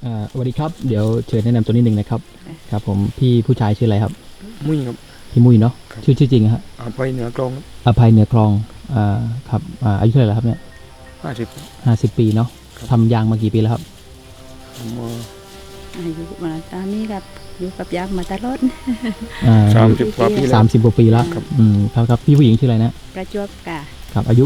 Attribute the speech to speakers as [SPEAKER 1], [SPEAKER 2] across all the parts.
[SPEAKER 1] สวัสดีครับเดี๋ยวเชิญแนะนำตัวนิดนึงนะครับครับผมพี่ผู้ชายชื่ออะไรครับ
[SPEAKER 2] มุ้ยครับ
[SPEAKER 1] พี่มุ้ยเนาะชื่อจริงฮะ
[SPEAKER 2] ไปเหนือกลอง
[SPEAKER 1] อภัยเหนือคลองครับอายุเท่าไหร่แล้วครับเนี่ย
[SPEAKER 2] 50
[SPEAKER 1] ปีเนาะทำยางมากี่ปีแล้วครับ
[SPEAKER 2] ผม
[SPEAKER 3] อายุมาตอนนี้กับอยู่กับยางมาตลอด
[SPEAKER 2] 30 กว่าปีแล้ว
[SPEAKER 1] 30 กว่าปีแล้วครับพี่ผู้หญิงชื่ออะไรนะ
[SPEAKER 3] ประจวบกะ
[SPEAKER 1] ครับอายุ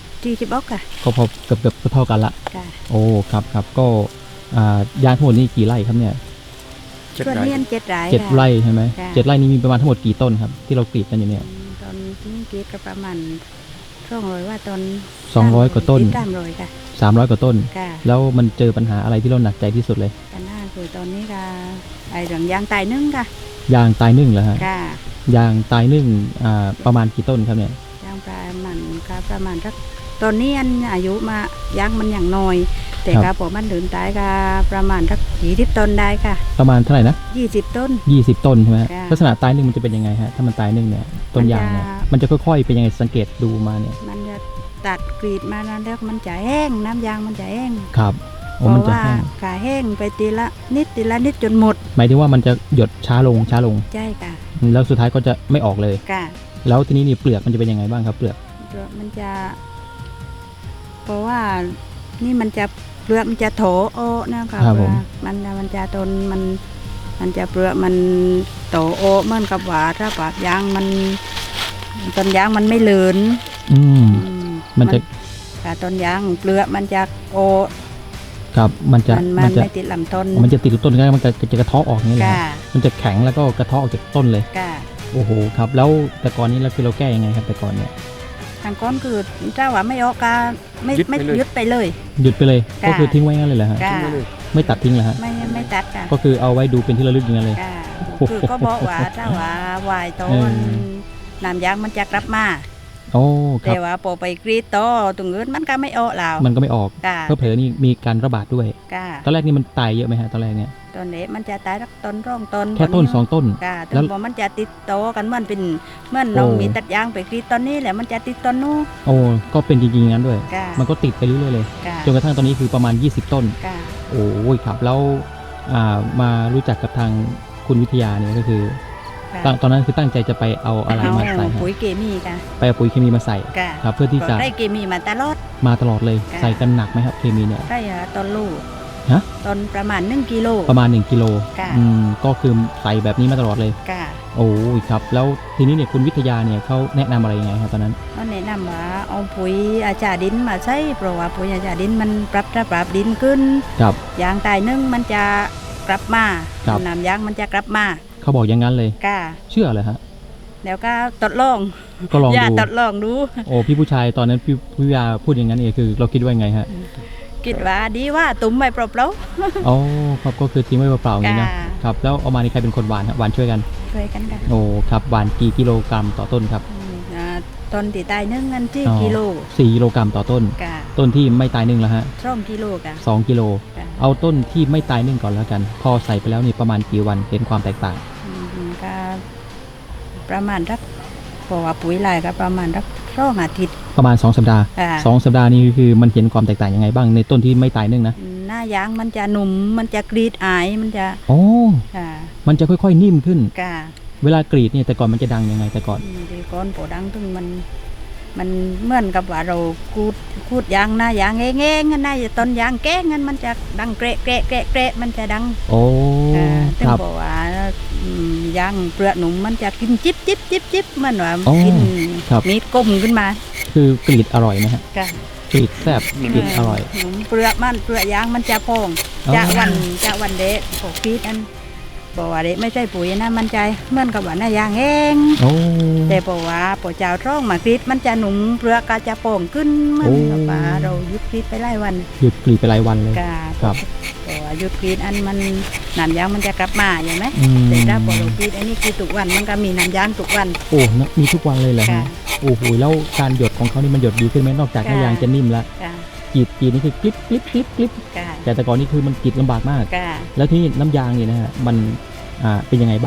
[SPEAKER 3] 46กะ
[SPEAKER 1] ก็พอเกือบเท่ากันละ
[SPEAKER 3] กะ
[SPEAKER 1] โอ้ครับก็ยางทั้งหมดนี่กี่ไร่ครับเนี่ย
[SPEAKER 3] ส่วนนี้
[SPEAKER 1] 7 ไร่ใช่ไหม7 ไร่นี้มีประมาณทั้งหมดกี่ต้นครับที่เรากรีดกันอยู่เนี่ย
[SPEAKER 3] ตอนที่กรีดก็ประมาณ200ว่าตอน
[SPEAKER 1] 200 กว่าต้น
[SPEAKER 3] 300ค่ะ
[SPEAKER 1] 300 กว่าต้นแล้วมันเจอปัญหาอะไรที่เราหนักใจที่สุดเลย
[SPEAKER 3] ปัญหาคือตอนนี้ก็ไอ้เรื่องยางตายนึ่งค่ะ
[SPEAKER 1] ยางตายนึ่งเหรอฮะ
[SPEAKER 3] ค่ะ
[SPEAKER 1] ยางตายนึ่งประมาณกี่ต้นครับเนี่ย
[SPEAKER 3] ยางประมาณสักตอนนี้อายุมายางมันอย่างน้อยแต่ก็พอมันเดินตายก็ประมาณสัก20 ต้นได้ค่ะ
[SPEAKER 1] ประมาณเท่าไหร่นะ
[SPEAKER 3] 20 ต้น
[SPEAKER 1] 20 ต้นใช่ไหมลักษณะตายนึ่งมันจะเป็นยังไงฮะถ้ามันตายนึ่งเนี่ยต้นยางเนี่ยมันจะค่อยๆเป็นยังไงสังเกตดูมาเนี่ย
[SPEAKER 3] มันจะตัดกรีดมาแล้วมันจะแห้งน้ำยางมันจะแห้ง
[SPEAKER 1] ครับ
[SPEAKER 3] เพราะว่าขาแห้งไปทีละนิดจนหมด
[SPEAKER 1] หมายถึงว่ามันจะหยดช้าลง
[SPEAKER 3] ใช่ค่ะ
[SPEAKER 1] แล้วสุดท้ายก็จะไม่ออกเลย
[SPEAKER 3] ค่ะ
[SPEAKER 1] แล้วทีนี้นี่เปลือกมันจะเป็นยังไงบ้างครับเปลือก
[SPEAKER 3] มันจะเพราะว่านี่มันจะเปลือกมันจะโถโอนะคะมันจะต้นมันจะเปลือกมันโตโอเหมือนกับว่าถ้าปากยางมันต้นยางมันไม่เหลือน
[SPEAKER 1] มันจะ
[SPEAKER 3] ต้นยางเปลือกมันจะโอ
[SPEAKER 1] ครับมัน
[SPEAKER 3] ไม่ติดลำต้น
[SPEAKER 1] มันจะติดต้นแล้วมันจะกระเทาะออกนี่แหละมันจะแข็งแล้วก็กระเทาะออกจากต้นเลยโอ้โหครับแล้วแต่ก่อนนี้เราคือเราแก้ยังไงครับแต่ก่อนเนี่ย
[SPEAKER 3] ทางก้อนคือเจ้าว่าไม่ออกกาไม่ยึดไปเลย
[SPEAKER 1] หยุดไปเลยก็คือทิ้งไว้งั้นเลยเหรอฮะไม่ตัดทิ้งเหรอฮะ
[SPEAKER 3] ไม่ตัดค่ะ
[SPEAKER 1] ก็คือเอาไว้ดูเป็นที่ระลึกอย่างนั้นเลย
[SPEAKER 3] คือก็บอกว่าถ้าว่าวายต้นน้ำยางมันจะกลับมา
[SPEAKER 1] โอ้ครับ
[SPEAKER 3] แต่ว่าพอไปกรีดโตตรงอื่นมันก็ไม่ออกแล้ว
[SPEAKER 1] มันก็ไม่ออกเพราะเผลอนี่มีการระบาดด้วยตอนแรกนี่มันตายเยอะไหมฮะตอนแรกเนี่ย
[SPEAKER 3] ตอนนี้มันจะตายต้นร่องต้น
[SPEAKER 1] แค่ต้น2 ต้น
[SPEAKER 3] แล้วพอมันจะติดโตกันมันเป็นเมื่อน้องมีตัดยางไปกรีดตอนนี้แหละมันจะติดต้นนู้น
[SPEAKER 1] โอ้ก็เป็นจริงๆงั้นด้วยมันก็ติดไปเรื่อยๆเลยจนกระทั่งตอนนี้คือประมาณ20 ต้นโอ้ยครับแล้วมารู้จักกับทางคุณวิทยาเนี่ยก็คือตอนนั้นคือตั้งใจจะไปเอาอะไรมาใส่
[SPEAKER 3] ปุ๋ยเคมีค่ะ
[SPEAKER 1] ไปเอาปุ๋ยเคมีมาใส่ครับเพื่อที่จะ
[SPEAKER 3] ได้เคมีมาต
[SPEAKER 1] ลอดเลยใส่กันหนักไหมครับเคมีเนี่ย
[SPEAKER 3] ได้ต้นลูกต้นประมาณ1 กิโล
[SPEAKER 1] ก็คือใส่แบบนี้มาตลอดเลยโอ้ยครับแล้วทีนี้เนี่ยคุณวิทยาเนี่ยเขาแนะนำอะไรยังไงครับตอนนั้น
[SPEAKER 3] เขาแนะนำว่าเอาปุ๋ยอาจารย์ดินมาใช้เพราะว่าปุ๋ยอาจารย์ดินมันปรับดินขึ้นยางตายนึ่งมันจะกลับมาน้ำยางมันจะกลับมา
[SPEAKER 1] เขาบอกอย่างนั้นเลยเชื่อเลยฮะ
[SPEAKER 3] แล้วก็ทดลองทดลองดู
[SPEAKER 1] โอ้พี่ผู้ชายตอนนั้นพี่วิทยาพูดอย่างนั้นเองคือเราคิดว่าไงฮะ
[SPEAKER 3] คิดว่าดีว่าตุ้มไม่เปล่า
[SPEAKER 1] ๆอ๋อครับก็คือทิ้งไว้เปล่าๆอย่างนี้นะครับแล้วเอามาในใครเป็นคนหวานฮะหวานช่วยกัน
[SPEAKER 3] ค่ะ
[SPEAKER 1] โอ้ครับหวานกี่กิโลกรัมต่อต้นครับ
[SPEAKER 3] ต้นที่ตายนึ่งนั่นที่กิโล
[SPEAKER 1] 4 กิโลกรัมต่อต้นต้นที่ไม่ตายนึ่งแล้วฮะ
[SPEAKER 3] 2 กิโลค่ะ
[SPEAKER 1] 2 กิโลเอาต้นที่ไม่ตายนึ่งก่อนแล้วกันพอใส่ไปแล้วนี่ประมาณกี่วันเห็นความแตกต่าง
[SPEAKER 3] ก็ประมาณสักเพราะว่าปุ๋ยลายก็ประมาณสัก2 อาทิตย์
[SPEAKER 1] ประมาณ2 สัปดาห์2 สัปดาห์นี้คือมันเห็นความแตกต่างยังไงบ้างในต้นที่ไม่ตายนึ่งนะ
[SPEAKER 3] หน้ายางมันจะหนุ่มมันจะกรีดอายมันจะ
[SPEAKER 1] มันจะค่อยๆนิ่มขึ้นเวลากรีดเนี่ยแต่ก่อนมันจะดังยังไงแต่ก่อน
[SPEAKER 3] โปดังถึงมันเหมือนกับว่าเราคูดยางหน้ายางแง่ๆงั้นหน้าต้นยางแก้งั้นมันจะดังเกะมันจะดังถึงบอกว่ายางเปลือกหนุ่มมันจะกินจิ๊บเหมือนว่ากินมีดก้มขึ้นมา
[SPEAKER 1] คือกรีดอร่อยนะฮะกรีดแซ่บกรีดอร่อย
[SPEAKER 3] เปลือกยางมันจะพองจะวันเด็กพวกกรีดอันบอกว่าเด็กไม่ใช่ปุ๋ยนะมันใจเหมือนกับว่าหน้ายางแห้งแต่บอกว่าปอเจ้าท้องมากรีดมันจะหนุ่มเปลือกก็จะโป่งขึ้นเหมือนกับว่าเราหยุดกรีดไปหลายวัน
[SPEAKER 1] หยุดกรีดไปหลายวันเลย
[SPEAKER 3] ครับบอกว่าหยุดกรีดอันมันน้ำยางมันจะกลับมาอย่างไหมแต่ถ้าพอเรากรีดอันนี้คือทุกวันมันก็มีน้ำยางทุกวัน
[SPEAKER 1] โอ้มีทุกวันเลยเหรอฮะโอ้โหแล้วการหยดของเขานี่มันหยดดีขึ้นไหมนอกจากหน้ายางจะนิ่มแล้วกรีดนี่คือกริบแต่ก่อนนี่คือมันกรีดลำบากมากแล้วที่น้ำยางนี่นะฮะมันเป็นยังไงบ้างครับ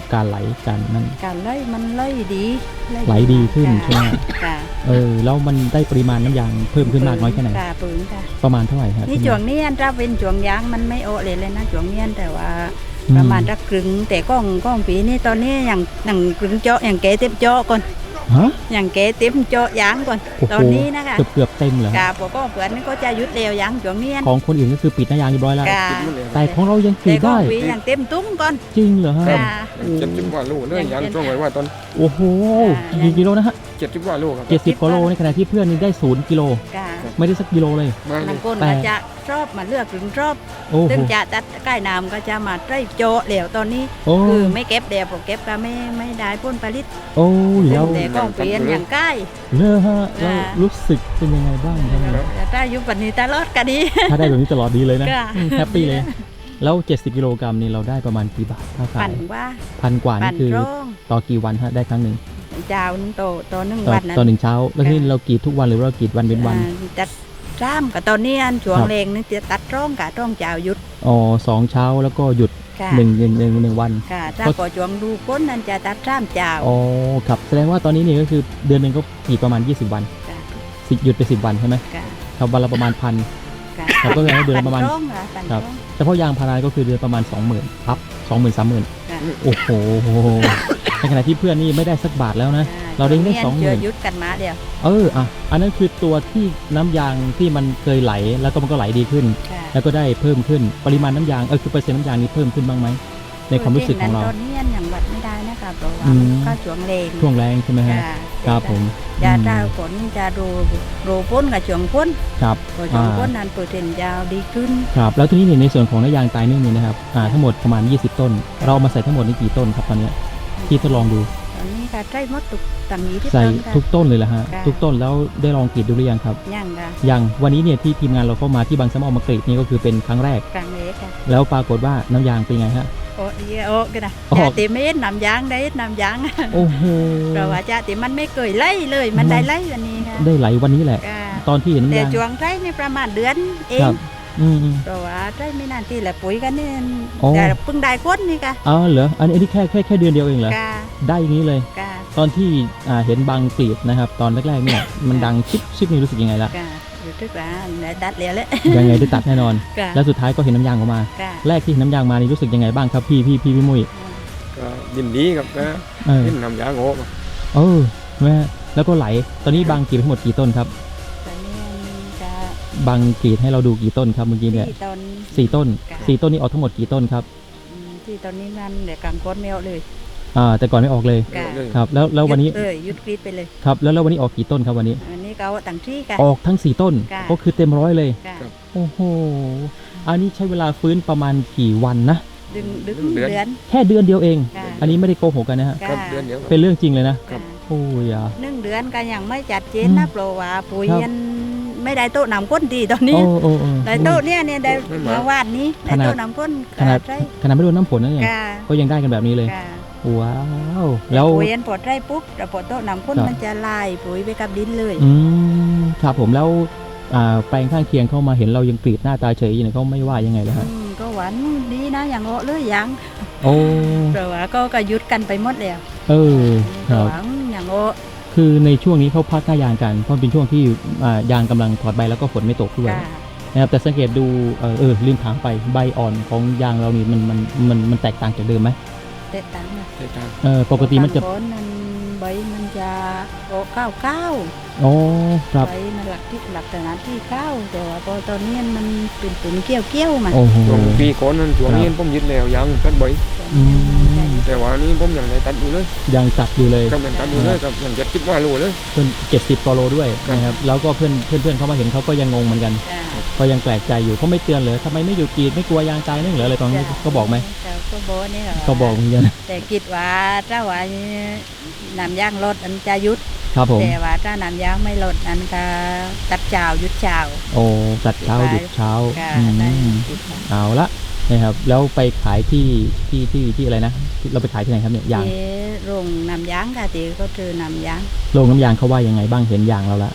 [SPEAKER 1] การไหลการนั่น
[SPEAKER 3] การไล่มันไล่ดี
[SPEAKER 1] ไหลดีขึ้นใช่ไหม
[SPEAKER 3] ค่ะ
[SPEAKER 1] แล้วมันได้ปริมาณน้ำยางเพิ่มขึ้นมากน้อยแค่ไหน
[SPEAKER 3] ค่ะปืนค่ะ
[SPEAKER 1] ประมาณเท่าไหร่ครับ
[SPEAKER 3] นี่ช่วงนี้ถ้าเป็นช่วงยางมันไม่โอเลยนะช่วงนี้แต่ว่าประมาณจะกึ่งแต่ก้องปีนี้ตอนนี้อย่างกึ่งเจาะอย่างเก๋เต็มเจาะก่อน
[SPEAKER 1] ฮะ
[SPEAKER 3] อย่างเก๋เต็มเจาะยางก่อน
[SPEAKER 1] โอ้โห
[SPEAKER 3] ตอนนี้นะคะ
[SPEAKER 1] เกือบเต็มเหรอ
[SPEAKER 3] กาปก็เพื่อนนี่ก็จะยุดเร็วยางช่วงนี้
[SPEAKER 1] ของคนอื่นก็คือปิดหน้ายางเรียบร้อยแล้ว
[SPEAKER 3] กา
[SPEAKER 2] ติดหมดเลย
[SPEAKER 1] แต่ของเรายังก
[SPEAKER 3] แต่
[SPEAKER 1] รีด
[SPEAKER 3] ก้อ
[SPEAKER 1] ได้
[SPEAKER 3] งปีอย่างเต็มตุ้งก่อน
[SPEAKER 1] จริงเหรอฮะ
[SPEAKER 3] กา
[SPEAKER 2] 70 กว่าลูกเลยยางช่วงไว้ว่าตอน
[SPEAKER 1] โอ้โห
[SPEAKER 3] อ่า
[SPEAKER 1] กี่กิโลนะฮะ
[SPEAKER 2] 70 กว่าลูกครับ
[SPEAKER 1] 70กิโลในขณะที่เพื่อนนี่ได้0กิโล
[SPEAKER 3] กา
[SPEAKER 1] ไม่ได้สักกิโลเลย
[SPEAKER 2] มาเล
[SPEAKER 3] บาง
[SPEAKER 2] ย
[SPEAKER 3] คน
[SPEAKER 1] แต่
[SPEAKER 3] ก็จะชอบมาเลือกถึงชอบ
[SPEAKER 1] โอ้โห
[SPEAKER 3] ซึ่งจะตัดใกล้น้ำก็จะมาได้โจเหลวตอนนี้
[SPEAKER 1] โอ้
[SPEAKER 3] คือไม่เก็บเดี๋ยวผมเก็บก็ไม่ได้ผลผลิต
[SPEAKER 1] โอ้แล้ว
[SPEAKER 3] แต่ก้องเปลี่ยนอย่างใกล้
[SPEAKER 1] เลอะฮะแล้ว
[SPEAKER 3] อ่า
[SPEAKER 1] รู้สึกเป็นยังไงบ้างครับ
[SPEAKER 3] แต่ถ้าอยู่ปันนี้ตลอดก็ดี
[SPEAKER 1] ถ้าได้แบบนี้ตลอดดีเลยนะ
[SPEAKER 3] ค่ะ
[SPEAKER 1] แฮปปี้เลย แล้ว 70 กิโลกรัมนี่เราได้ประมาณกี่บาทถ้าขา
[SPEAKER 3] ปั่
[SPEAKER 1] ย
[SPEAKER 3] นว่า
[SPEAKER 1] พันกว่า
[SPEAKER 3] ปั่
[SPEAKER 1] นี่
[SPEAKER 3] น
[SPEAKER 1] คือ
[SPEAKER 3] ร่อง
[SPEAKER 1] ต่อกี่วันฮะได้ครั้งหนึ่ง
[SPEAKER 3] เจ้านึงโตหนึ่ง
[SPEAKER 1] ต่อ
[SPEAKER 3] วันนั้น
[SPEAKER 1] ต่อหนึ่งเช้า แล้วที่
[SPEAKER 3] ค่ะ
[SPEAKER 1] เรากรีดทุกวันหรือว่าเรากรีดวันเป็นวัน
[SPEAKER 3] จัดจ้ามกับตอนนี้อันช่วง
[SPEAKER 1] ครับ
[SPEAKER 3] เลงนี่จะตัดร่องกับร่องเจ้าหยุด
[SPEAKER 1] อ๋อ2 เช้าแล้วก็หยุด
[SPEAKER 3] ค่ะ
[SPEAKER 1] หนึ่งวัน
[SPEAKER 3] ค่ะถ้าก็ช่วงดูก้นนั่นจะตัดจ้ามเจ้า
[SPEAKER 1] อ๋อครับแสดงว่าตอนนี้นี่ก็คือเดือนหนึ่งก็กรีดประมาณ20 วัน
[SPEAKER 3] ค่ะ
[SPEAKER 1] หยุดไป10 วันใช่ไหม
[SPEAKER 3] ค่ะ
[SPEAKER 1] ครับวันละประมาณพัน
[SPEAKER 3] ค่ะ
[SPEAKER 1] ครับก็คือให้เดือนละประมาณ
[SPEAKER 3] ปั่ร่องค่ะปั่น
[SPEAKER 1] ครั
[SPEAKER 3] ร่
[SPEAKER 1] บ
[SPEAKER 3] อง
[SPEAKER 1] เฉพาะยางพาราก็คือเดือนประมาณ 20,000ครับ20,000 30,000
[SPEAKER 3] ค่ะ
[SPEAKER 1] โอ้โหในขณะที่เพื่อนนี่ไม่ได้สักบาทแล้วนะ เราได้ได้
[SPEAKER 3] ช่วงนี้อัน
[SPEAKER 1] 20,000
[SPEAKER 3] เจอหยุดกันมาเดียว
[SPEAKER 1] อันนั้นคือตัวที่น้ำยางที่มันเคยไหลแล้วก็มันก็ไหลดีขึ้น
[SPEAKER 3] ค่ะ
[SPEAKER 1] แล้วก็ได้เพิ่มขึ้นปริมาณน้ำยางคือเปอร์เซ็นต์น้ำยางนี้เพิ่มขึ้นบ้างไหมในความรู้สึกของเรา
[SPEAKER 3] ตอนนี้อันอย่างวัดไม่ได้นะคะเพราะว่า
[SPEAKER 1] อืม
[SPEAKER 3] มันก็ช่วงเลง
[SPEAKER 1] ช่วงแรงใช่ไหมฮะ
[SPEAKER 3] ค่ะ
[SPEAKER 1] ครับผม
[SPEAKER 3] ยา
[SPEAKER 1] อืม
[SPEAKER 3] เจ้าผลจะดูพ้นกับช่วงพ้น
[SPEAKER 1] ครับ
[SPEAKER 3] พอช่วงพ้นนั้นเปอร์เซ็นต์ยาวดีขึ้น
[SPEAKER 1] ครับแล้วทีนี้เนี่ยในส่วนของน้ำยางตายนึ่งนี่นะครับทั้งหมดประมาณ20 ต้น เรามาใส่ทั้งหมดนี่กี่ต้นครับตอนเนี้ยที่ทดลองดู
[SPEAKER 3] ตอนนี้ก็ใช้หมดตุกต่างนี้ที่
[SPEAKER 1] ใส่
[SPEAKER 3] ต้นค่ะ
[SPEAKER 1] ทุกต้นเลยเหรอฮะ
[SPEAKER 3] ค่ะ
[SPEAKER 1] ทุกต้นแล้วได้ลองกรีดดูหรือยังครับ
[SPEAKER 3] ย่างค่ะ
[SPEAKER 1] ยังวันนี้เนี่ยที่ทีมงานเราเข้ามาที่บางสะเมามากรีดนี่ก็คือเป็นครั้งแรก
[SPEAKER 3] กลางเล็กค่ะ
[SPEAKER 1] แล้วปรากฏว่าน้ำยางเป็นไงฮะ
[SPEAKER 3] โอ้ดีโอ้กันนะ
[SPEAKER 1] ออก
[SPEAKER 3] จะติไม่นำยางได้นำยาง
[SPEAKER 1] โอ้โห
[SPEAKER 3] เพราะว่าจะติมันไม่เคยไล่เลยมันได้ไล่วันนี้ค่ะ
[SPEAKER 1] ได้ไหลวันนี้แหละ
[SPEAKER 3] ค่ะ
[SPEAKER 1] ตอนที่เห็น
[SPEAKER 3] แต่
[SPEAKER 1] น้ำยาง
[SPEAKER 3] ช่วงไร่นี่ประมาณเดือนเอ
[SPEAKER 1] ครั
[SPEAKER 3] ง
[SPEAKER 1] บอืม
[SPEAKER 3] เพราะว่าไร่ไม่นานที่แหละปุ๋ยกันนี่
[SPEAKER 1] อ๋อ
[SPEAKER 3] แต่เพิ่งได้ก้นนี่ค่ะ
[SPEAKER 1] อ๋อเหรออันนี้แค่เดือนเดียวเองเหรอ
[SPEAKER 3] ค่ะ
[SPEAKER 1] ได้อย่างนี้เลย
[SPEAKER 3] ค่ะ
[SPEAKER 1] ตอนที่เห็นบางกรีดนะครับ ตอนแรกๆเนี่ยมันดังชิปนี่รู้สึกยังไงละ
[SPEAKER 3] ค่ะรู้สึกว่าได้ตัดแล้วแหละ
[SPEAKER 1] ยังไงได้ตัดแน่นอน
[SPEAKER 3] ค่ะ
[SPEAKER 1] แล้วสุดท้ายก็เห็นน้ำยางออกมา
[SPEAKER 3] ค่ะ
[SPEAKER 1] แรกที่เห็นน้ำยางมานี่รู้สึกยังไงบ้างครับพี่มุ้ย
[SPEAKER 2] ก็ยินดีครับนะ
[SPEAKER 1] เออ
[SPEAKER 2] ยินนำยางโง่มา
[SPEAKER 1] แม่แล้วก็ไหลตอนนี้บางกรีดทั้งหมดกี่ต้นครับ
[SPEAKER 3] ตอนนี้จะ
[SPEAKER 1] บางกรีดให้เราดูกี่ต้นครับเมื่อกี้เนี่ย
[SPEAKER 3] ที่ตอน
[SPEAKER 1] 4 ต้น
[SPEAKER 3] ค่ะ
[SPEAKER 1] 4 ต้นนี้ออกทั้งหมดกี่ต้นครับ
[SPEAKER 3] ที่ตอนนี้นั่นเดี๋ยวกลางก้นไม่เอาเลย
[SPEAKER 1] แต่ก่อนไม่ออกเลย
[SPEAKER 3] ค่ะ
[SPEAKER 2] เลย
[SPEAKER 1] ครับแล้ววันนี้
[SPEAKER 3] หยุดกรีดไปเลย
[SPEAKER 1] ครับแล้ววันนี้ออกกี่ต้นครับวันนี้
[SPEAKER 3] อันนี้ก็เอาต่างที่กัน
[SPEAKER 1] ออกทั้ง 4 ต้น
[SPEAKER 3] ค่ะ
[SPEAKER 1] ก็คือเต็มร้อยเลย
[SPEAKER 3] ค่ะ
[SPEAKER 1] โอ้โหอันนี้ใช้เวลาฟื้นประมาณกี่วันนะ
[SPEAKER 3] ดึง
[SPEAKER 2] เดื
[SPEAKER 3] เดื
[SPEAKER 2] อน
[SPEAKER 3] อน
[SPEAKER 1] แค่เดือนเดียวเอง
[SPEAKER 3] ค่ะ
[SPEAKER 1] อันนี้ไม่ได้โกหกกันนะฮะ
[SPEAKER 2] ครับเดือนเดียวครับ
[SPEAKER 1] เป็นเรื่องจริงเลยนะ
[SPEAKER 3] ค่ะ
[SPEAKER 1] โอ้ยอ่ะ
[SPEAKER 3] 1 เดือนก็ยังไม่จัดเจน
[SPEAKER 1] อื
[SPEAKER 3] นะ
[SPEAKER 1] ม
[SPEAKER 3] เพราะว่าปุ๋ย
[SPEAKER 1] ครับ
[SPEAKER 3] ยันไม่ได้โต๊ะนำก้นดีตอนนี้
[SPEAKER 1] โอ้
[SPEAKER 3] ได้โต๊ะเนี่ยได้
[SPEAKER 2] ไม่มา
[SPEAKER 3] เมื่อวานนี้ได้โต๊ะนำก้น
[SPEAKER 1] ขนาด
[SPEAKER 3] ใช่
[SPEAKER 1] ขนาดไม่โดนน้ำฝนนะเนี่ย
[SPEAKER 3] ค่ะ
[SPEAKER 1] ก็ยังได้กันแบบนี้เลย
[SPEAKER 3] ค่ะ
[SPEAKER 1] ว้าวแล้ว
[SPEAKER 3] ปุ๋ยยันปลดไร่ปุ๊บแต่ปลดโต๊ะนำก้น
[SPEAKER 1] ครับ
[SPEAKER 3] มันจะลายปุ๋ยไปกับดินเลย
[SPEAKER 1] ครับผมแล้วแปลงข้างเคียงเข้ามาเห็นเรายังกรีดหน้าตาเฉยอยู่เนี่ยเขาไม่ว่ายังไงเลยฮะ
[SPEAKER 3] ก็หวานดีนะอย่างโอ้เลยยัง
[SPEAKER 1] โอ้
[SPEAKER 3] เพราะว่าก็หยุดกันไปหมดแล้ว
[SPEAKER 1] เออครับ
[SPEAKER 3] หวังอย่างโอ้
[SPEAKER 1] คือในช่วงนี้เขาพักหน้ายางกันเพราะเป็นช่วงที่ยางกำลังถอดใบแล้วก็ฝนไม่ตกด้วย
[SPEAKER 3] ค่ะ
[SPEAKER 1] นะครับแต่สังเกตดูลืมถามไปใบอ่อนของยางเรานี่มันแตกต่างจากเดิมไหม
[SPEAKER 3] เตะตังค์นะ
[SPEAKER 2] ใช่ทาง
[SPEAKER 1] ปกติมันจะ
[SPEAKER 3] บางคนนั้นใบมันจะโอ้เก้า
[SPEAKER 1] อ๋อครับ
[SPEAKER 3] ใบมันหลักแต่นั้นที่เก้าแต่ว่าพอตอนนี้มันเป็นตุ่มเกี้ยวมา
[SPEAKER 1] โอ้โห
[SPEAKER 2] ช่วงปีก่อนนั้นช่วงนี้ผมยึดแล้วยังตัดใบ
[SPEAKER 1] อืม
[SPEAKER 2] แต่ว่านี้ผมยังได้ตัดอยู่เลย
[SPEAKER 1] ยังจัดอยู่เลย
[SPEAKER 2] กำลังตัดอยู่เลยกับยัง70 ว่าโลเลย
[SPEAKER 1] เพื่อน70 กว่าโลด้วยนะครับแล้วก็เพื่อนเขามาเห็นเขาก็ยังงงเหมือนกัน
[SPEAKER 3] จ้ะ
[SPEAKER 1] ก็ยังแปลกใจอยู่เขาไม่เตือนเลยทำไมไม่อยู่กรีดไม่กลัวยางตายนึ่งเหรออะไรตอนนี้ก็บอกไหม
[SPEAKER 3] แต่ก็บอกนี่
[SPEAKER 1] ก็บอกเหมือนกัน
[SPEAKER 3] แต่คิดว่าถ้าว่าน้ำยางลดอันจะหยุด
[SPEAKER 1] ครับผม
[SPEAKER 3] แต่ว่าถ้าน้ำยางไม่ลดอันก็ตัดเช้าหยุดเช้า
[SPEAKER 1] โอ้จัดเช้าหยุดเช้า
[SPEAKER 3] ก็
[SPEAKER 1] อืม
[SPEAKER 3] ได้คิดว่า
[SPEAKER 1] เอาละนะครับแล้วไปขายที่อะไรนะเราไปขายที่ไหนครับเนี่ยยาง
[SPEAKER 3] ที่โรงน้ำยางค่ะที่ก็คือน้ำยาง
[SPEAKER 1] โรงน้ำยางเขาว่ายังไงบ้างเห็นยางเราละ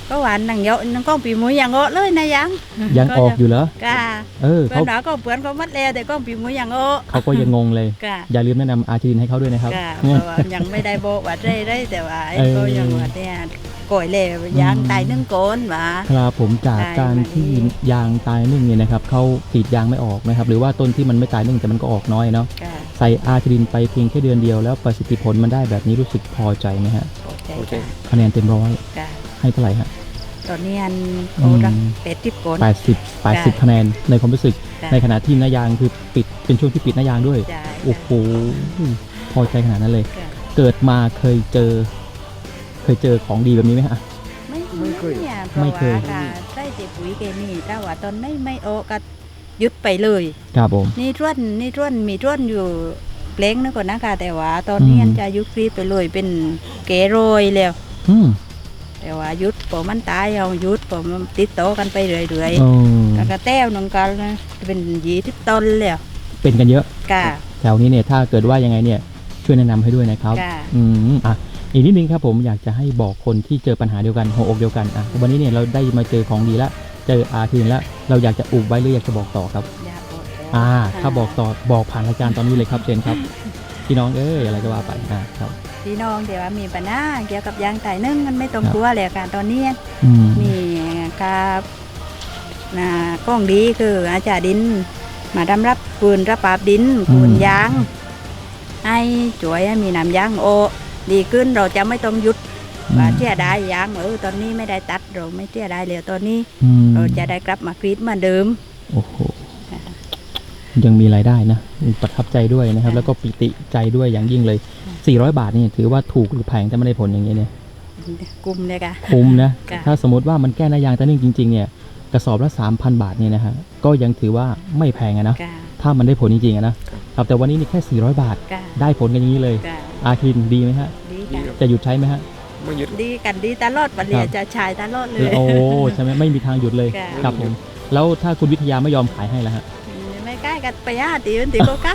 [SPEAKER 3] ก็หวานนังเยอะนังก้องปีมุ้ยยังโอ้เลยนะยัง
[SPEAKER 1] ออกอยู่เหรอก
[SPEAKER 3] ะ
[SPEAKER 1] เพื่
[SPEAKER 3] เพื่อนเราก็เพื่อนเขามัดแล้วแต่ก้องปีมุ้ยยังโอ้
[SPEAKER 1] เขาก็ยังงงเลย
[SPEAKER 3] กะ
[SPEAKER 1] อย่าลืมแนะนำอาร์จินให้เขาด้วยนะครับ
[SPEAKER 3] กะเพราะว่ายังไม่ได้โบว่าได้แต่ว่าไอ้ก็ยังว่าเนี่ยก่อยเลยยางตายนึ่งโกนว่า
[SPEAKER 1] ครับผมจากการที่ยางตายนึ่งเนี่ยนะครับเขาติดยางไม่ออกนะครับหรือว่าต้นที่มันไม่ตายนึ่งแต่มันก็ออกน้อยเนาะ
[SPEAKER 3] กะ
[SPEAKER 1] ใส่อาร์จินไปเพียงแค่เดือนเดียวแล้วประสิทธิผลมันได้แบบนี้รู้สึกพอใจไหมฮะ
[SPEAKER 2] โอเค
[SPEAKER 1] คะแนนเต็มร้อย
[SPEAKER 3] กะ
[SPEAKER 1] ให้เท่าไหร่ฮะ
[SPEAKER 3] ตอนนี้อันโอ้รักเป็ดทิพโกน
[SPEAKER 1] 80คะแนนในความรู้สึก
[SPEAKER 3] จ้ะ
[SPEAKER 1] ในขณะที่หน้ายางคือปิดเป็นช่วงที่ปิดหน้ายางด้วย
[SPEAKER 3] จ่าย
[SPEAKER 1] โอ้โหพอใจขนาดนั้นเลย
[SPEAKER 3] กะ
[SPEAKER 1] เกิดมาเคยเจอของดีแบบนี้ไหมฮะ
[SPEAKER 3] ไม่เคยเนี่ยเพ
[SPEAKER 1] ไม่
[SPEAKER 3] ราะ
[SPEAKER 1] เคย
[SPEAKER 3] ว่าค่ะใส่แต่ปุ๋ยเคมีแต่ว่าตอนไม่โอก็หยุดไปเลย
[SPEAKER 1] ครับผม
[SPEAKER 3] นี่ท่วนมีท่วนอยู่เปล้งนึกก่อนนะคะแต่ว่าตอนนี้
[SPEAKER 1] อืม
[SPEAKER 3] อันจะยุครีไปเลยเป็นเกโรยแล้ว
[SPEAKER 1] อืม
[SPEAKER 3] แต่ว่าหยุดพอมันตายเอาหยุดพอมันติดโตอกันไปเรื่อย
[SPEAKER 1] เออ
[SPEAKER 3] ๆแล้วก็แต้วนึงกันนะเป็น20 ต้นแล้ว
[SPEAKER 1] เป็นกันเยอะ
[SPEAKER 3] กะ
[SPEAKER 1] แถวนี้เนี่ยถ้าเกิดว่ายังไงเนี่ยช่วยแนะนำให้ด้วยนะครับ
[SPEAKER 3] ค่ะ
[SPEAKER 1] อ่ะอีกนิดนึงครับผมอยากจะให้บอกคนที่เจอปัญหาเดียวกันหัวอกเดียวกันอ่ะวันนี้เนี่ยเราได้มาเจอของดีละเจออาทีนแล้วเราอยากจะอุบไว้หรืออยากจะบอกต่อครับ
[SPEAKER 3] อย่าบอกแล้ว
[SPEAKER 1] ถ้าบอกต่อบอกผ่านรายการตอนนี้เลยครับเจนครับพี่น้องอะไรก็ว่าไปครับ
[SPEAKER 3] พี่น้องเดี๋ยวว่ามีปัญหาเกี่ยวกับยางไต่นึ่งมันไม่ตรงตัวเลยค่ะตอนนี้
[SPEAKER 1] อืม
[SPEAKER 3] มีกับกล้องดีคืออาจารย์ดินมาดำรับปืนรับปราบดินปืนยางให้ช่วยให้มีน้ำยางโอดีขึ้นเราจะไม่ต้องหยุดว่าเที่ยได้ยางตอนนี้ไม่ได้ตัดเราไม่เที่ยได้เลยตอนนี้
[SPEAKER 1] อืม
[SPEAKER 3] เราจะได้กลับมากรีดเหมือนเดิม
[SPEAKER 1] โอ้โหยังมีรายได้นะประทับใจด้วยนะครับ แล้วก็ปิติใจด้วยอย่างยิ่งเลย400 บาทนี่ถือว่าถูกหรือแพงแต่ไม่ได้ผลอย่างนี้เนี่ย
[SPEAKER 3] กลุ่มเลยค่ะ
[SPEAKER 1] คุ้มนะ
[SPEAKER 3] ค่ะ
[SPEAKER 1] ถ้าสมมติว่ามันแก้หน้ายางตะนึ่งจริงๆเนี่ยกระสอบละ 3,000 บาทเนี่ยนะฮะก็ยังถือว่าไม่แพงอะนะ
[SPEAKER 3] กะ
[SPEAKER 1] ถ้ามันได้ผลจริงๆอะนะครับแต่วันนี้นี่แค่400 บาท
[SPEAKER 3] กะ
[SPEAKER 1] ได้ผลกันอย่างนี้เลย
[SPEAKER 3] กะ
[SPEAKER 1] อาคินดีไหมฮะ
[SPEAKER 3] ดี
[SPEAKER 2] ดี
[SPEAKER 3] ค่ะ
[SPEAKER 2] ครับ
[SPEAKER 1] จะหยุดใช้ไหมฮะ
[SPEAKER 2] ไม่หยุด
[SPEAKER 3] ดีกันดีตลอดวันเรียจะชายตลอดเลย
[SPEAKER 1] โอ้ใช่ไหมไม่มีทางหยุดเลย
[SPEAKER 3] ค่ะ
[SPEAKER 1] ครับผมแล้วถ้าคุณวิทยาไม่ยอมขายให้ล่ะฮะ
[SPEAKER 3] ไม่ใกล้กันไปตีมันตีก็ใกล้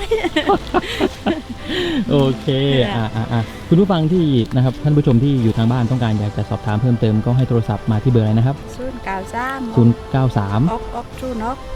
[SPEAKER 1] โอเคคุณผู้ฟังที่นะครับท่านผู้ชมที่อยู่ทางบ้านต้องการอยากจะสอบถามเพิ่มเติมก็ให้โทรศัพท์มาที่เบอร์อะไรนะครับ
[SPEAKER 3] 093
[SPEAKER 1] 093
[SPEAKER 3] อกชูนก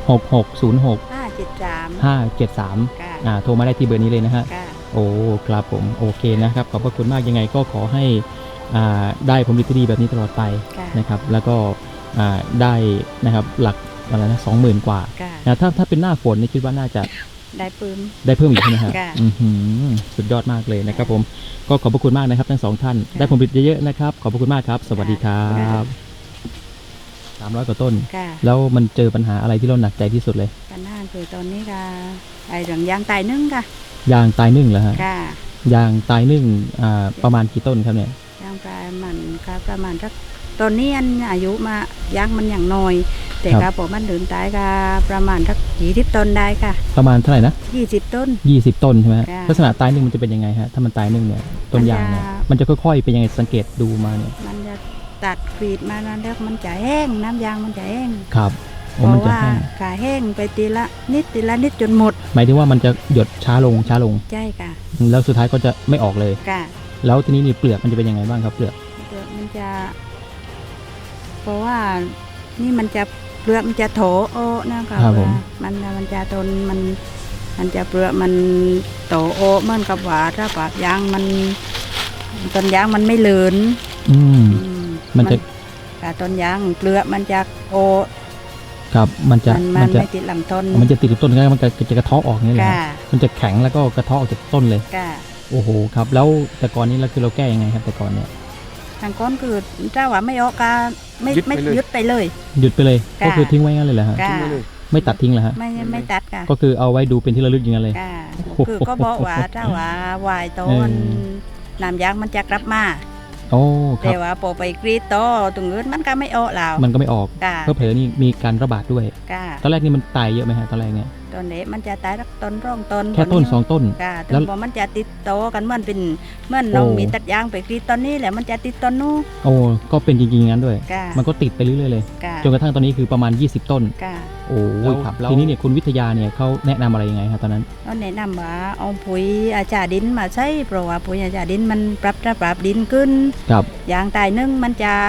[SPEAKER 1] 6606
[SPEAKER 3] 573
[SPEAKER 1] 573
[SPEAKER 3] ค่ะ
[SPEAKER 1] โทรมาได้ที่เบอร์นี้เลยนะฮะ
[SPEAKER 3] ค่ะ
[SPEAKER 1] โอ้ครับผมโอเคนะครับขอบพระคุณมากยังไงก็ขอให้ได้ผลผลิตที่ดีแบบนี้ตลอดไป
[SPEAKER 3] ค่ะ
[SPEAKER 1] นะครับแล้วก็ได้นะครับหลักอะไรนะ20,000 กว่า
[SPEAKER 3] ค่ะ
[SPEAKER 1] นะถ้าเป็นหน้าฝนนี่คิดว่าน่าจะ
[SPEAKER 3] ได้ปืน
[SPEAKER 1] ได้เพิ่มอีกใช่ไหมครับ
[SPEAKER 3] ค่ะ
[SPEAKER 1] อื้อหือสุดยอดมากเลยนะครับผมก็ขอบพระคุณมากนะครับทั้งสองท่าน
[SPEAKER 3] ค่ะ
[SPEAKER 1] ได้ผลผลิตเยอะๆนะครับขอบพระคุณมากครับสวัสดีครั
[SPEAKER 3] ค่ะ
[SPEAKER 1] บ300 กว่าต้น
[SPEAKER 3] ค่ะ
[SPEAKER 1] แล้วมันเจอปัญหาอะไรที่เราหนักใจที่สุดเลย
[SPEAKER 3] ปัญหาคือตอนนี้ค่ะไอ้เรื่องยางตายนึ่งค่ะ
[SPEAKER 1] ยางตายนึ่งเหรอฮะ
[SPEAKER 3] ค่ะ
[SPEAKER 1] ยางตายนึ่งประมาณกี่ต้นครับเนี่ย
[SPEAKER 3] ยางตายมันค่ะประมาณสักตอนนี้อันอายุมายางมันอย่างน้อย แต่ครับผมมันเดินตายค่ะประมาณสัก20 ต้นได้ค่ะ
[SPEAKER 1] ประมาณเท่าไหร่นะ
[SPEAKER 3] 20 ต้น
[SPEAKER 1] 20 ต้นใช่ไหมฮะ
[SPEAKER 3] ค่ะ
[SPEAKER 1] ลักษณะตายนึ่งมันจะเป็นยังไงฮะถ้ามันตายนึ่งเนี่ยต้นยางเนี่ยมันจะค่อยๆเป็นยังไงสังเกตดูมาเนี่ย
[SPEAKER 3] มันจะตัดกรีดมาแล้วมันจะแห้งน้ำยางมันจะแห้ง
[SPEAKER 1] ครับ
[SPEAKER 3] เพ
[SPEAKER 1] โอ้มัน
[SPEAKER 3] ราะ
[SPEAKER 1] จะ
[SPEAKER 3] ว่า
[SPEAKER 1] แห้ง
[SPEAKER 3] ขาแห้งไปทีละนิดจนหมด
[SPEAKER 1] หมายถึงว่ามันจะหยดช้าลง
[SPEAKER 3] ใช่ค่ะ
[SPEAKER 1] แล้วสุดท้ายก็จะไม่ออกเลย
[SPEAKER 3] ค่ะ
[SPEAKER 1] แล้วทีนี้นี่เปลือกมันจะเป็นยังไงบ้างครับเปลือก
[SPEAKER 3] เปลือกมันจะ เพราะว่านี่มันจะเปลือกมันจะโถโอนะคะ
[SPEAKER 1] ครับผม
[SPEAKER 3] มันจะต้นมันจะเปลือกมันโตโอเหมือนกับว่าถ้าปากยางมันต้นยางมันไม่เหลือน
[SPEAKER 1] อืม
[SPEAKER 3] อืม
[SPEAKER 1] มันจะ
[SPEAKER 3] แต่ต้นยางเปลือกมันจะโอ
[SPEAKER 1] ครับมันจะ
[SPEAKER 3] มันไม่ติดลำต้น
[SPEAKER 1] มันจะติดกับต้นแล้วมันจะกระเทาะออกนี่แหละ
[SPEAKER 3] ค่ะ
[SPEAKER 1] มันจะแข็งแล้วก็กระเทาะออกจากต้นเลย
[SPEAKER 3] ค่ะ
[SPEAKER 1] โอ้โหครับแล้วแต่ก่อนนี้เราคือเราแก้ยังไงครับแต่ก่อนเนี่ย
[SPEAKER 3] ทางก้อนคือถ้าว่าไม่ออกก็ไม่ยึดไปเลย
[SPEAKER 1] หยุดไปเลย
[SPEAKER 3] ค่ะ
[SPEAKER 1] ก็คือทิ้งไว้งั้นเลยเหรอฮะ
[SPEAKER 3] ค่ะ
[SPEAKER 2] ทิ้งไว้เลย
[SPEAKER 1] ไม่ตัดทิ้งเหรอฮะ
[SPEAKER 3] ไม่ตัดค่ะ
[SPEAKER 1] ก็คือเอาไว้ดูเป็นที่ระลึกอย่างนั้นเลย
[SPEAKER 3] ค่ะ
[SPEAKER 1] โอ้โห
[SPEAKER 3] คือก็บอกว่าถ้าว่าวายโตมัน
[SPEAKER 1] เออ
[SPEAKER 3] น้ำยางมันจะกลับมา
[SPEAKER 1] โอ้ครั
[SPEAKER 3] แต่
[SPEAKER 1] บ
[SPEAKER 3] ว่าพอไปกรีดโตตรงอื่นมันก็ไม่ออกแล้ว
[SPEAKER 1] มันก็ไม่ออก
[SPEAKER 3] ค่ะ
[SPEAKER 1] เพราะเผลอนี่มีการระบาดด้วย
[SPEAKER 3] ค่ะ
[SPEAKER 1] ตอนแรกนี่มันตายเยอะไหมฮะตอนแรกเนี่ย
[SPEAKER 3] ตอนนี้มันจะตายสักต้นร่องต้น
[SPEAKER 1] แค่ต้น2 ต้น
[SPEAKER 3] ค่ะ
[SPEAKER 1] แล้
[SPEAKER 3] ถึ
[SPEAKER 1] ว
[SPEAKER 3] งพอมันจะติดโตกันเหมื่อนเป็นเหมื่อนน้อง
[SPEAKER 1] โอ้
[SPEAKER 3] มีตัดยางไปกรีดตอนนี้แหละมันจะติดต้นนู้น
[SPEAKER 1] โอ้ก็เป็นจริงๆงั้นด้วย
[SPEAKER 3] ค่ะ
[SPEAKER 1] มันก็ติดไปเรื่อยๆเลย
[SPEAKER 3] ค่ะ
[SPEAKER 1] จนกระทั่งตอนนี้คือประมาณ20 ต้น
[SPEAKER 3] ค่ะ
[SPEAKER 1] โอ้ยครับทีนี้เนี่ยคุณวิทยาเนี่ยเขาแนะนำอะไรยังไงครับตอนนั้น
[SPEAKER 3] ก็แนะนำว่าเอาปุ๋ยอาจารย์ดินมาใช้เพราะว่าปุ๋ยอาจารย์ดินมันปรับดินขึ้น
[SPEAKER 1] ครับ
[SPEAKER 3] ยางตายนึ่งมันจะ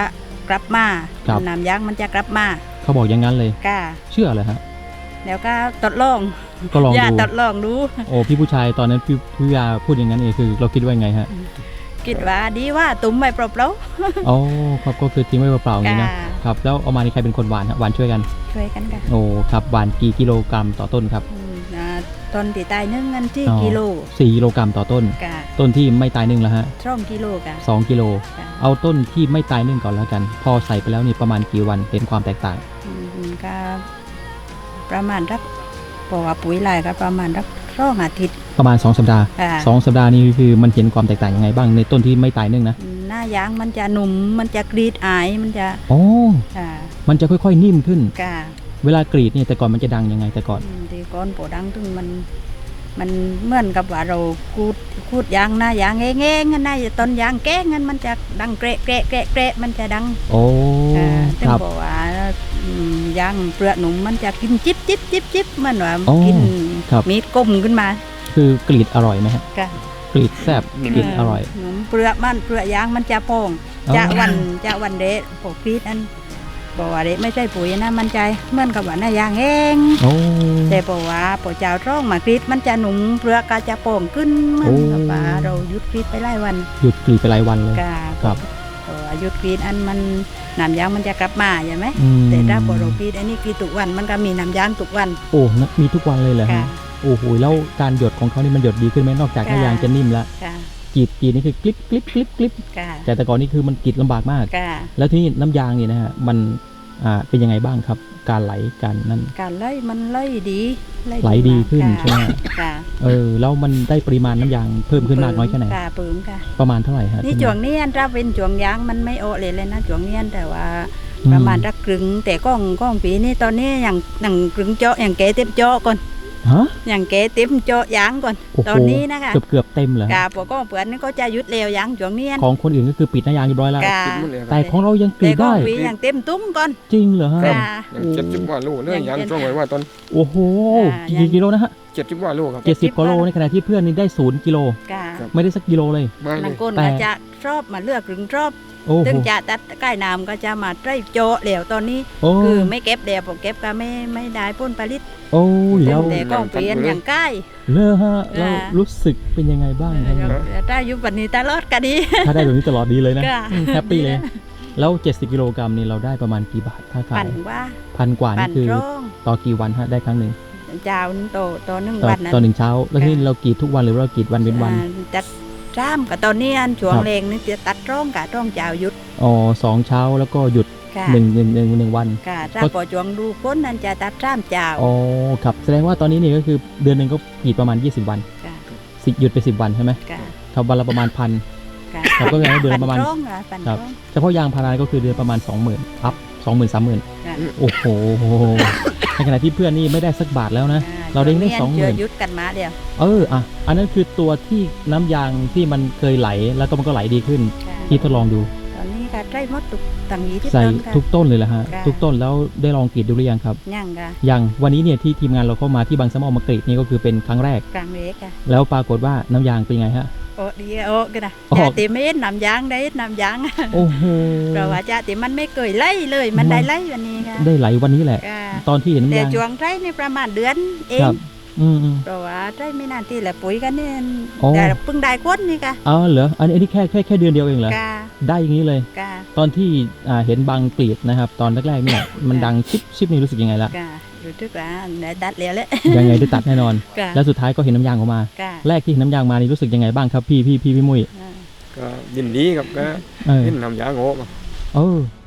[SPEAKER 3] กลับมา
[SPEAKER 1] ครับ
[SPEAKER 3] น้ำยางมันจะกลับมา
[SPEAKER 1] เขาบอกอย่างนั้นเลย
[SPEAKER 3] ก้า
[SPEAKER 1] เชื่อเลยฮะ
[SPEAKER 3] แล้วก็ทดลอง
[SPEAKER 1] ก็ลอง
[SPEAKER 3] อย่า
[SPEAKER 1] ดู
[SPEAKER 3] ทดลองดู
[SPEAKER 1] โอ้พี่ผู้ชายตอนนั้นพี่วิทยาพูดอย่างนั้นเองคือเราคิดว่าไงฮะ
[SPEAKER 3] คิดว่าดีว่าตุ้มไม่เปล่า
[SPEAKER 1] อ๋อครับก็คือทิ้งไว้เปล่าๆอย่างนี้นะ
[SPEAKER 3] ค่ะ
[SPEAKER 1] ครับแล้วเอามานี่ใครเป็นคนหวานฮะหวานช่วยกัน
[SPEAKER 3] ๆช่วยกันกัน
[SPEAKER 1] โอ้ครับหวานกี่กิโลกรัมต่อต้นครับ
[SPEAKER 3] ต้นที่ตายนึ่งเงินที่
[SPEAKER 1] อ๋อ
[SPEAKER 3] กิโล
[SPEAKER 1] 4 กิโลกรัมต่อต้น
[SPEAKER 3] กะ
[SPEAKER 1] ต้นที่ไม่ตายนึ่งแล้วฮะ
[SPEAKER 3] 2 กิโลกะ
[SPEAKER 1] 2 กิโล
[SPEAKER 3] กะ
[SPEAKER 1] เอาต้นที่ไม่ตายนึ่งก่อนแล้วกัน พอใส่ไปแล้วนี่ประมาณกี่วันเห็นความแตกต่าง
[SPEAKER 3] ก็ประมาณรักบอกว่าปุ๋ยลายก็ประมาณรัก2 อาทิตย์
[SPEAKER 1] ประมาณ2 สัปดาห์
[SPEAKER 3] ค่ะ
[SPEAKER 1] 2 สัปดาห์นี้คือมันเห็นความแตกต่างยังไงบ้างในต้นที่ไม่ตายนึ่งนะ
[SPEAKER 3] หน้ายางมันจะหนุ่มมันจะกรีดอายมันจะ
[SPEAKER 1] อ๋อ
[SPEAKER 3] ค่ะ
[SPEAKER 1] มันจะค่อยๆนิ่มขึ้น
[SPEAKER 3] กะ
[SPEAKER 1] เวลากรีดเนี่ยแต่ก่อนมันจะดังยังไงแต่ก่อน
[SPEAKER 3] ที่ก้อนโปดังถึงมันเหมือนกับว่าเราคูดยางหน้ายางแง่ๆงั้นหน้าต้นยางแก้งั้นมันจะดังเกระเกระเกระเกระมันจะดัง
[SPEAKER 1] โอ้
[SPEAKER 3] ถึง
[SPEAKER 1] ครับ
[SPEAKER 3] บอกว่ายางเปลือกหนุ่มมันจะกินจิ๊บจิ๊บจิ๊บจิ๊บเหมันว่า
[SPEAKER 1] อ๋อ
[SPEAKER 3] กิน
[SPEAKER 1] ครับ
[SPEAKER 3] มีดกลมขึ้นมา
[SPEAKER 1] คือกรีดอร่อยไหมฮะ
[SPEAKER 3] ค่ะ
[SPEAKER 1] กรีดแซ่บกรีดอร่อย
[SPEAKER 3] หนุ่มเปลือกยางมันจะโป่ง
[SPEAKER 1] อ๋อ
[SPEAKER 3] จะวันเดะปกกรีดอันบอกว่าเดะไม่ใช่ปุ๋ยนะมันใจเหมือนกับว่าหน้ายางเอง
[SPEAKER 1] โอ้
[SPEAKER 3] แต่บอกว่าปอเจ้าร่องมากรีดมันจะหนุ่มเปลือกก็จะโป่งขึ้นเหมือนกับว่าเราหยุดกรีดไปหลายวัน
[SPEAKER 1] หยุดกรีดไปหลายวันเลย
[SPEAKER 3] ก็
[SPEAKER 1] ครับ
[SPEAKER 3] หยุดกรีดอันมันน้ำยางมันจะกลับมาใช่ไหม
[SPEAKER 1] อืม
[SPEAKER 3] แต่ถ้าพอเรากรีดอันนี้กรีดทุกวันมันก็มีน้ำยางทุกวัน
[SPEAKER 1] โอ้นะมีทุกวันเลยเหรอ
[SPEAKER 3] ค่ะ
[SPEAKER 1] ฮะโอ้โหแล้วการหยดของเขานี่มันหยดดีขึ้นไหมนอกจากหน้ายางจะนิ่มแล้ว
[SPEAKER 3] ค่ะ
[SPEAKER 1] กรีดนี่คือกลิบกลิบกลิบกลิบ
[SPEAKER 3] ค่ะ
[SPEAKER 1] แต่ก่อนนี่คือมันกรีดลำบากมาก
[SPEAKER 3] ค่ะ
[SPEAKER 1] แล้วที่น้ำยางเนี่ยนะฮะมันเป็นยังไงบ้างครับ การไหลการนั่น
[SPEAKER 3] การไล่มันไล่ดี
[SPEAKER 1] ไหลดีขึ้น
[SPEAKER 3] ค่ะ
[SPEAKER 1] ใช่ไหม
[SPEAKER 3] ค่ะ
[SPEAKER 1] แล้วมันได้ปริมาณน้ำยางเพิ่มขึ้นมากน้อยแค่ไหน
[SPEAKER 3] ค่ะเปิ่มค่ะ
[SPEAKER 1] ประมาณเท่าไหร่ฮะ
[SPEAKER 3] นี่
[SPEAKER 1] ที่
[SPEAKER 3] ช่วงนี้อันถ้าเป็นช่วงยางมันไม่โอเลยนะช่วงนี้อันแต่ว่า
[SPEAKER 1] อื
[SPEAKER 3] ประมาณรักกรึงแต่ก้องปีนี้ตอนนี้อย่างกรึงเจาะอย่างแกเต็มเจาะก่อน
[SPEAKER 1] ฮะ
[SPEAKER 3] อย่างแกเต็มเจาะยางก่อน
[SPEAKER 1] โอ้โห
[SPEAKER 3] ตอนนี้นะคะ
[SPEAKER 1] เกือบเต็มเหรอฮะ
[SPEAKER 3] กาปก้องเปือนนี่ก็จะหยุดเร็วยางช่วงนี้อัน
[SPEAKER 1] ของคนอื่นก็คือปิดหน้ายางเรียบร้อยแล้ว
[SPEAKER 3] กา
[SPEAKER 2] คิดหมดเลยค
[SPEAKER 1] แต่
[SPEAKER 2] รับ
[SPEAKER 1] ของเรายังกรี
[SPEAKER 3] แต่
[SPEAKER 1] ด
[SPEAKER 3] ก้อ
[SPEAKER 1] ได้
[SPEAKER 3] งปีอย่างเต็มตุ้มก่อน
[SPEAKER 1] จริงเหรอฮะ
[SPEAKER 3] กา
[SPEAKER 2] อย่าง70 กว่าโลเลยยางช่วงไว้ว่าตอน
[SPEAKER 1] โอ้โห
[SPEAKER 3] ยัง
[SPEAKER 1] กี่กิโลนะฮะ
[SPEAKER 2] 70 กว่าโลครับ
[SPEAKER 1] 70กว่าโลในขณะที่เพื่อนนี่ได้0 กิโล
[SPEAKER 3] กา
[SPEAKER 1] ไม่ได้สักกิโลเลย
[SPEAKER 2] มาเล
[SPEAKER 3] นัง
[SPEAKER 2] ย
[SPEAKER 3] ก้น
[SPEAKER 1] แต่
[SPEAKER 3] ก็จะชอบมาเลือกกรึงชอบ
[SPEAKER 1] โอ้โห
[SPEAKER 3] ถึงจะตัดใกล้น้ำก็จะมาใกล้โจาะเหลวตอนนี้
[SPEAKER 1] โอ้
[SPEAKER 3] คือไม่เก็บเดี๋ยวพอเก็บก็ไม่ได้พ้นผลิต
[SPEAKER 1] โอ้ยแล้ว
[SPEAKER 3] แต่ก้องเปลี่ยนอย่างใกล้
[SPEAKER 1] เลอะฮะแล้ว
[SPEAKER 3] อ่า
[SPEAKER 1] รู้สึกเป็นยังไงบ้างครับ
[SPEAKER 3] ถ้าอยู่วันนี้ตลอดก็ดี
[SPEAKER 1] ถ้าได้แบบนี้ตลอดดีเลยนะ
[SPEAKER 3] ค่ะ
[SPEAKER 1] แฮปปี้เลย แล้ว70 กิโลกรัมนี่เราได้ประมาณกี่บาทถ้าขา
[SPEAKER 3] ปั่
[SPEAKER 1] ย
[SPEAKER 3] นว่า
[SPEAKER 1] พันกว่า
[SPEAKER 3] ปั่
[SPEAKER 1] นี่
[SPEAKER 3] น
[SPEAKER 1] คือ
[SPEAKER 3] ร่อง
[SPEAKER 1] ต่อกี่วันฮะได้ครั้งหนึ่ง
[SPEAKER 3] เจ้าโตหนึ่ง
[SPEAKER 1] ต่อ
[SPEAKER 3] วันนั้น
[SPEAKER 1] ต่อหนึ่งเช้า แล้วที่
[SPEAKER 3] ค่ะ
[SPEAKER 1] เรากรีดทุกวันหรือว่าเรากรีดวันเว้นวัน
[SPEAKER 3] จัดจ้ามกับตอนนี้อันช่วง
[SPEAKER 1] ครับ
[SPEAKER 3] เลงนี่จะตัดร่องกับร่องเจ้าหยุด
[SPEAKER 1] อ๋อ2 เช้าแล้วก็หยุด
[SPEAKER 3] ค่ะ
[SPEAKER 1] หนึ่งวัน
[SPEAKER 3] ค่ะถ้าพอช่วงดูพ้นนั่นจะตัดจ้ามเจ้า
[SPEAKER 1] อ๋อครับแสดงว่าตอนนี้นี่ก็คือเดือนหนึ่งก็กรีดประมาณ20 วัน
[SPEAKER 3] ค่ะ
[SPEAKER 1] หยุดไป10 วันใช่ไหม
[SPEAKER 3] ค่ะ
[SPEAKER 1] ครับวันละประมาณพัน
[SPEAKER 3] ค่ะ
[SPEAKER 1] ครับก็แปลว่าเดือนละประมาณ
[SPEAKER 3] ปั่ร่องค่ะปั่น
[SPEAKER 1] ครับ
[SPEAKER 3] ร่อง
[SPEAKER 1] เฉพาะยางพาราก็คือเดือนประมาณ 20,000อัพ 20,000 30,000
[SPEAKER 3] ค่ะ
[SPEAKER 1] โอ้โหในขณะที่เพื่อนนี่ไม่ได้สักบาทแล้วนะ เราได้ได้
[SPEAKER 3] ช่วงนี้อัน
[SPEAKER 1] 20,000
[SPEAKER 3] หยุดกันมาเดียว
[SPEAKER 1] อันนั้นคือตัวที่น้ำยางที่มันเคยไหลแล้วก็มันก็ไหลดีขึ้น
[SPEAKER 3] ค่ะ
[SPEAKER 1] ที่ทดลองดู
[SPEAKER 3] ตอนนี้ก็ใกล้หมดทุกต่างยี่ที่
[SPEAKER 1] ใส่
[SPEAKER 3] ต้นค่ะ
[SPEAKER 1] ทุกต้นเลยแหละฮะ
[SPEAKER 3] ค่ะ
[SPEAKER 1] ทุกต้นแล้วได้ลองกรีดดูหรือยังครับ
[SPEAKER 3] ย่างค่ะ
[SPEAKER 1] ยังวันนี้เนี่ยที่ทีมงานเราเข้ามาที่บางสะมอมากรีดนี่ก็คือเป็นครั้งแรก
[SPEAKER 3] กลางเล็กค่ะ
[SPEAKER 1] แล้วปรากฏว่าน้ำยางเป็นไงฮะ
[SPEAKER 3] โอ้ดีโอ้กันนะ
[SPEAKER 1] ออก
[SPEAKER 3] จะติไม่น้ำยางได้น้ำยาง
[SPEAKER 1] โอ้โห
[SPEAKER 3] เพราะว่าจะติมันไม่เคยไล่เลยมันได้ไล่วันนี้ค่ะ
[SPEAKER 1] ได้ไหลวันนี้แหละ
[SPEAKER 3] ค่ะ
[SPEAKER 1] ตอนที่เห็นน้ำ
[SPEAKER 3] แต่
[SPEAKER 1] ยาง
[SPEAKER 3] ช่วงไร่ในประมาณเดือนเอง
[SPEAKER 1] ครับอืม
[SPEAKER 3] เพราะว่าไร่ไม่นานที่แหละปุ๋ยกันนี่
[SPEAKER 1] อ๋อ
[SPEAKER 3] แต่เพิ่งได้ก้นนี่ค่ะ
[SPEAKER 1] อ๋อเหรออันนี้แค่เดือนเดียวเองเหรอ
[SPEAKER 3] ค่ะ
[SPEAKER 1] ได้อย่างนี้เลย
[SPEAKER 3] ค่ะ
[SPEAKER 1] ตอนที่เห็นบางกรีดนะครับ ตอนแรกๆเนี่ยมันดังชิปนี่รู้สึกยังไงละ
[SPEAKER 3] ค่ะรู้สึกว่าได้ตัดแล้วแหละ
[SPEAKER 1] ยังไงได้ตัดแน่นอน
[SPEAKER 3] ค่ะ
[SPEAKER 1] แล้วสุดท้ายก็เห็นน้ำยางออกมา
[SPEAKER 3] ค่ะ
[SPEAKER 1] แรกที่เห็นน้ำยางมานี่รู้สึกยังไงบ้างครับพี่มุ้ย
[SPEAKER 3] อ่า
[SPEAKER 2] ก็ยินดีครับก็
[SPEAKER 1] เออ
[SPEAKER 2] เห็นน้ำยางโง่มา
[SPEAKER 1] เออ